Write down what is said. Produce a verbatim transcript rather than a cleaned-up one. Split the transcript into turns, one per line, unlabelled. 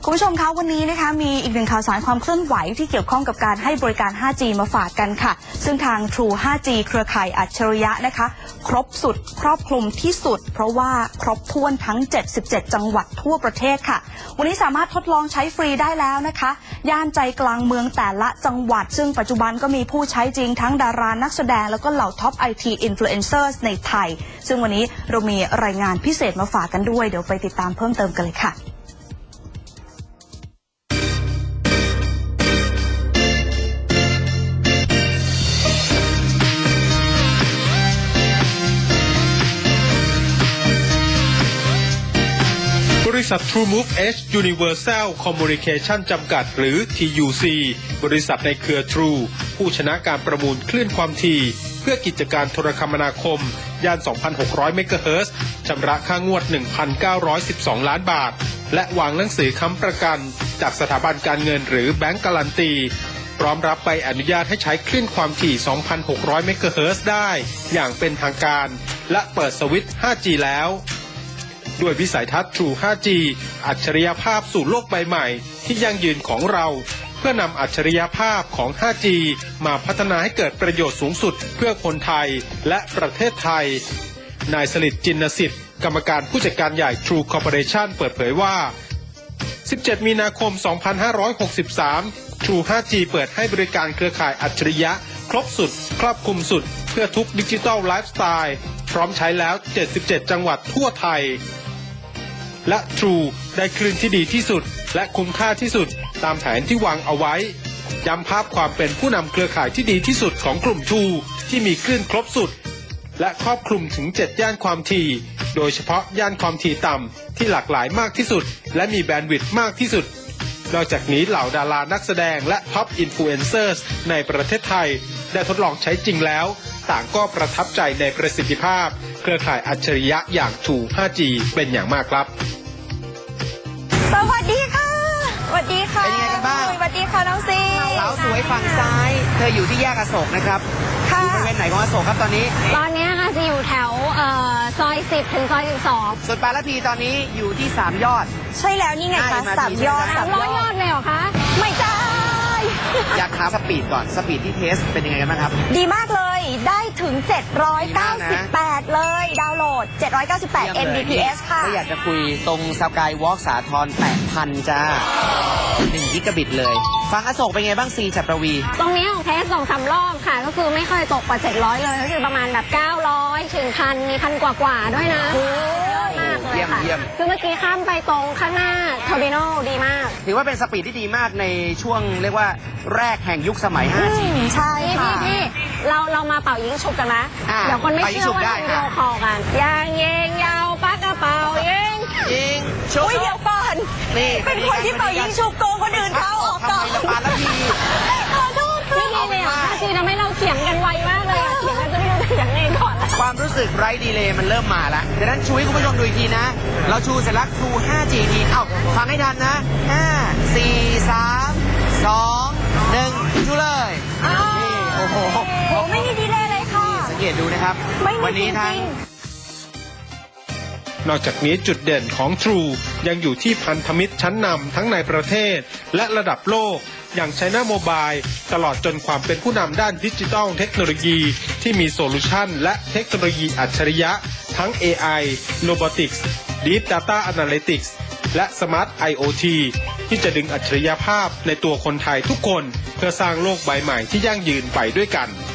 คุณผู้ชมคะวันนี้นะคะมีอีกหนึ่งข่าวสารความเคลื่อนไหวที่เกี่ยวข้องกับการให้บริการ ห้าจี มาฝากกันค่ะซึ่งทาง True ห้าจี เครือข่ายอัจฉริยะนะคะครบสุดครอบคลุมที่สุดเพราะว่าครบถ้วนทั้งเจ็ดสิบเจ็ดจังหวัดทั่วประเทศค่ะวันนี้สามารถทดลองใช้ฟรีได้แล้วนะคะย่านใจกลางเมืองแต่ละจังหวัดซึ่งปัจจุบันก็มีผู้ใช้จริงทั้งดารานักแสดงแล้วก็เหล่าท็อป ไอ ที Influencers ในไทยซึ่งวันนี้เรามีรายงานพิเศษมาฝากกันด้วยเดี๋ยวไปติดตามเพิ่มเติมกันเลยค่ะ
บริษัท TrueMove Edge Universal Communication จำกัดหรือ ที ยู ซี บริษัทในเครือ True ผู้ชนะการประมูลคลื่นความถี่เพื่อกิจการโทรคมนาคมย่าน สองพันหกร้อย เมกะเฮิรตซ์ชำระค่างวด หนึ่งพันเก้าร้อยสิบสอง ล้านบาทและวางหนังสือค้ำประกันจากสถาบันการเงินหรือแบงก์การันตีพร้อมรับใบอนุญาตให้ใช้คลื่นความถี่ สองพันหกร้อย เมกะเฮิรตซ์ได้อย่างเป็นทางการและเปิดสวิตช์ ห้าจี แล้วด้วยวิสัยทัศน์ True ห้าจี อัจฉริยภาพสู่โลกใบใหม่ที่ยั่งยืนของเราเพื่อนำอัจฉริยภาพของ ห้าจี มาพัฒนาให้เกิดประโยชน์สูงสุดเพื่อคนไทยและประเทศไทยนายสฤทธิ์จินสิทธิ์กรรมการผู้จัดการใหญ่ True Corporation เปิดเผยว่า สิบเจ็ด มีนาคม สองพันห้าร้อยหกสิบสาม True ห้าจี เปิดให้บริการเครือข่ายอัจฉริยะครบสุดครอบคลุมสุดเพื่อทุกดิจิทัลไลฟ์สไตล์พร้อมใช้แล้วเจ็ดสิบเจ็ดจังหวัดทั่วไทยและ True ได้คลื่นที่ดีที่สุดและคุ้มค่าที่สุดตามแผนที่วางเอาไว้ย้ำภาพความเป็นผู้นำเครือข่ายที่ดีที่สุดของกลุ่ม True ที่มีคลื่นครบสุดและครอบคลุมถึงเจ็ดย่านความถี่โดยเฉพาะย่านความถี่ต่ำที่หลากหลายมากที่สุดและมีแบนด์วิดต์มากที่สุดนอกจากนี้เหล่าดารานักแสดงและท็อปอินฟลูเอนเซอร์ในประเทศไทยได้ทดลองใช้จริงแล้วต่างก็ประทับใจในประสิทธิภาพเครือข่ายอัจฉริยะอย่าง True ห้าจี เป็นอย่างมากครับ
สวัสดีค่ะสวัสดีค่ะ
เป็นยังไงกันบ้าง
สวัสดีค่ะน้องซี
สาวสวยฝั่งซ้ายเธออยู่ที่แยกอโศกนะครับอยู่บริเวณไหนของอโศกครับตอนนี้
ตอนนี้ค่ะจะอยู่แถวเอ่อซอยสิบถึงซอยสิบสอง
ส่วนปาละพีตอนนี้อยู่ที่สามยอด
ใช่แล้วนี่ไงคะสามยอด
สามร้อยยอดเลยเหรอคะ
ไม่ใช่
อยากถามสปีดก่อนสปีดที่เทสเป็นยังไงกันบ้างครับ
ดีมากเลยได้ถึงเจ็ดร้อยเก้าสิบแปดเลยดาวน์โหลดเจ็ดร้อยเก้าสิบแปด เอ็ม บี พี เอส ค่ะ
ก็อยากจะคุยตรงสกายวอล์กสาทรแปดพันจ้าหนึ่งกิกะบิตเลยฟังอโศกเป็นไงบ้างซีจับประวี
ตรงนี้ของเทสสองสามรอบค่ะก็คือไม่เคยตกกว่าเจ็ดร้อยเลยก็คือประมาณแบบเก้าร้อยถึงพันมีพันกว่ากว่าด้วยนะมากเลยค่ะคือเมื่อกี้ข้ามไปตรงข้างหน้าเทอร์มินอลดีมาก
ถือว่าเป็นสปีดที่ดีมากในช่วงเรียกว่าแรกแห่งยุคสมัย ห้าจี
ใช่ค่ะ
พี่เราเรามาเป่ายิงฉุบกันนะเดี๋ยวคนไม่เชื่อว่าเราวิดีโอคอลกันยางเยงยาวปักกระเป๋ายิง
ยิงชุบ
เดี๋ยวก่อน
นี่
เป็นคนที่เป่ายิงฉุบโกงคนอื่นเขาออกก่อน
ทำไมละปาละพี
ขอโทษค่ะนี่เลยอ่ะจีทำให้เราเถียงกันไวมากเลยเถียงกันจะไม่รู้จะเถียงเองก่อน
ความรู้สึกไร้ดีเลย์มันเริ่มมาแล้วดังนั้นชูให้คุณผู้ชมดูอีกทีนะเราชูเสร็จแล้ว True ห้าจี ทีเอ้าฟังให้ทันนะห้า สี่ สาม สอง หนึ่งชูเลยนี่โอ้โห
โหไม่มีดีเลย์เลยค่ะ
สังเกตดูนะครับวันนี้ทั้ง
นอกจากนี้จุดเด่นของ True ยังอยู่ที่พันธมิตรชั้นนำทั้งในประเทศและระดับโลกอย่าง China Mobile ตลอดจนความเป็นผู้นำด้านดิจิทัลเทคโนโลยีที่มีโซลูชันและเทคโนโลยีอัจฉริยะทั้ง เอ ไอ Robotics Deep Data Analytics และ Smart ไอ โอ ที ที่จะดึงอัจฉริยภาพในตัวคนไทยทุกคนเพื่อสร้างโลกใบใหม่ที่ยั่งยืนไปด้วยกัน